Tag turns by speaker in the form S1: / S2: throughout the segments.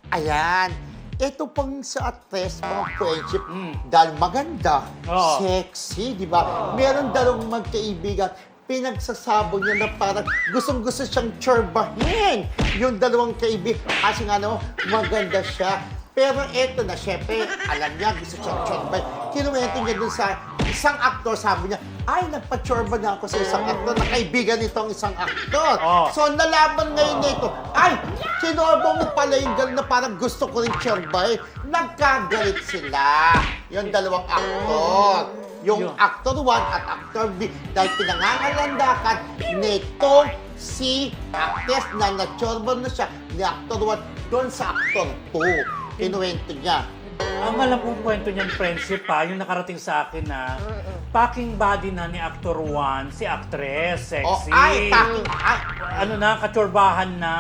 S1: Ayan. Ito pang sa actress, mga friendship, dahil maganda,
S2: Oo.
S1: sexy, di ba? Meron dalawang magkaibigan, pinagsasabog niya na parang gustong-gusto siyang tsorbahin yung dalawang kaibigan. Kasi nga naman, maganda siya. Pero eto na, syempre, alam niya, gusto siyang tsorbahin. Kinuwento niya dun sa isang aktor, sabi niya, ay, nagpa-tsorba na ako sa isang aktor, na kaibigan nitong isang aktor.
S2: Oh.
S1: So, nalaman ngayon nito, ay, sinorba mo pala yung gano'n na parang gusto ko rin tsorbahin. Nagkagalit sila, yung dalawang aktor. Yung actor 1 at actor B, dahil pinangangalandakan nitong si actress na natsorba na siya ni actor 1 doon sa actor 2. Kinuwento niya.
S2: Ang alam kong kwento niyan, friendship yung nakarating sa akin na packing body na ni Actor 1, si actress, sexy. Ano na, katsorbahan na.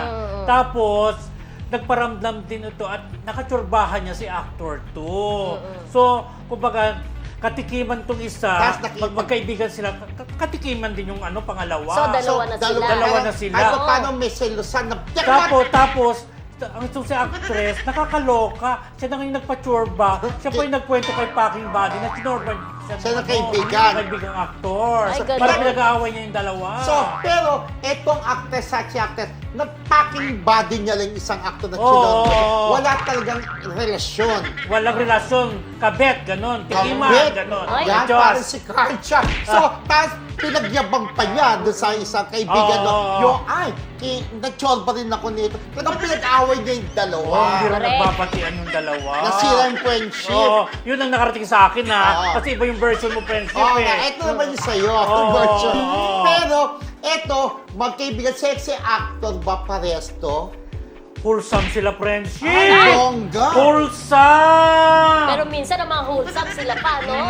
S2: Tapos, nagparamdam din ito at nakatsorbahan niya si Actor 2. So, kumbaga, katikiman tong isa, magkaibigan sila, katikiman din yung pangalawa.
S3: So, dalawa na sila.
S1: Ay, paano may selusan na...
S2: Tapos, ang itong si actress, nakakaloka. Siya na ngayon nagpa-tsorba. Siya po yung nagkwento kay Packing Body na tinorba
S1: siya na kaibigan.
S2: Kaibigang actor.
S3: Ay,
S2: Para pinag-aaway niya yung dalawa.
S1: So, pero etong actress at si actress, nag-packing body niya lang isang actor na wala talagang relasyon.
S2: Walang relasyon. Kabet, ganon. Tikiman, ganon.
S1: Yan, parang si Karcha. So, tapos pinagyabang pa niya doon sa isang kaibigan yung, ay, nag-tsorba rin ako nito. Kaya pinag-away niya yung dalawa.
S2: Hindi rin nagbabatian yung dalawa.
S1: Nasira yung friendship.
S2: Yun ang nakarating sa akin kasi iba yung version mo friendship
S1: ito naman yung sa'yo, version. Pero, ito, magkaibigan, sexy actor ba parehas to?
S2: Wholesome sila friendship.
S1: Ay, bongga.
S2: Wholesome.
S3: Pero minsan ang mga wholesome sila pa, no?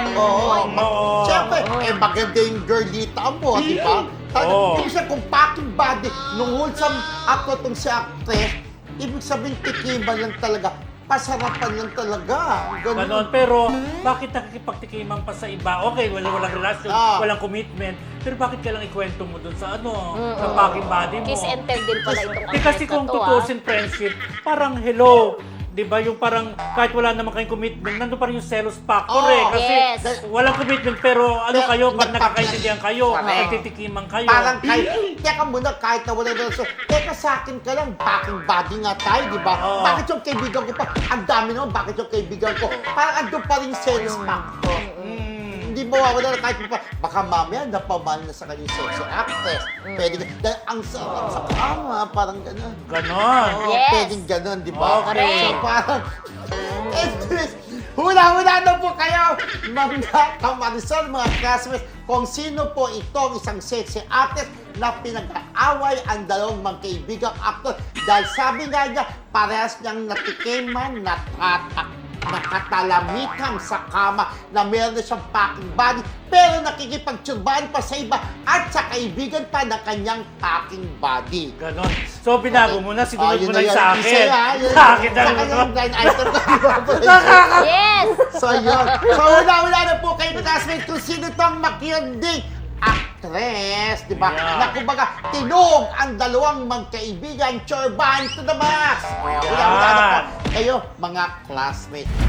S2: Oo.
S1: Siyempre, maganda yung girlita mo, di ba? Ibig sabihin, kung packing body, nung wholesome actor tong si actress, ibig sabihin, tikiman lang talaga. Pasarapan lang talaga.
S2: Ganon. Pero, bakit nakikipagtikiman pa sa iba? Okay, walang relasyon, walang commitment. Pero bakit ka lang ikwento mo dun sa sa packing body mo?
S3: Kiss and tell din pala itong actress
S2: Kasi kung tutusin friendship, parang hello. Di ba? Yung parang kahit wala naman kayong commitment, nandun pa rin yung selos factor Kasi walang commitment pero kayo, pag nakakaintindihan kayo, nagtitikiman kayo.
S1: Parang teka muna, kahit na wala relasyon, teka sa akin ka lang, packing body nga tayo, di ba? Bakit yung kaibigan ko pa, ang dami naman, bakit yung kaibigan ko, parang andun pa rin yung selos factor. Hindi mawawala na kahit pa, baka mamaya napamahal na sa kanyang sexy actress. Pwede dahil ang sarap sa kama, parang gano'n.
S2: Ganon.
S1: Pwedeng gano'n, di ba?
S2: Okay.
S1: So parang, hula-hula na po kayo, mga kamarisol, mga classmates, kung sino po itong isang sexy actress na pinag-aaway ang dalawang magkaibigang actor dahil sabi nga niya, parehas niyang natikiman, nakatalamikan sa kama na meron na siyang packing body pero nakikipagtsurbahan pa sa iba at sa kaibigan pa ng kanyang packing body.
S2: Ganon. So, binago mo na, sinunod mo na yung sa akin.
S1: Sa akin na yung blind item ko.
S3: Yes!
S1: So, yun. So, wala na po kayo classmates kung sino itong makiyandig actress, di ba?
S2: Yeah.
S1: Na kumbaga, tinog ang dalawang magkaibigan, tsorbahan to the max. Wala na po kayo, mga classmates.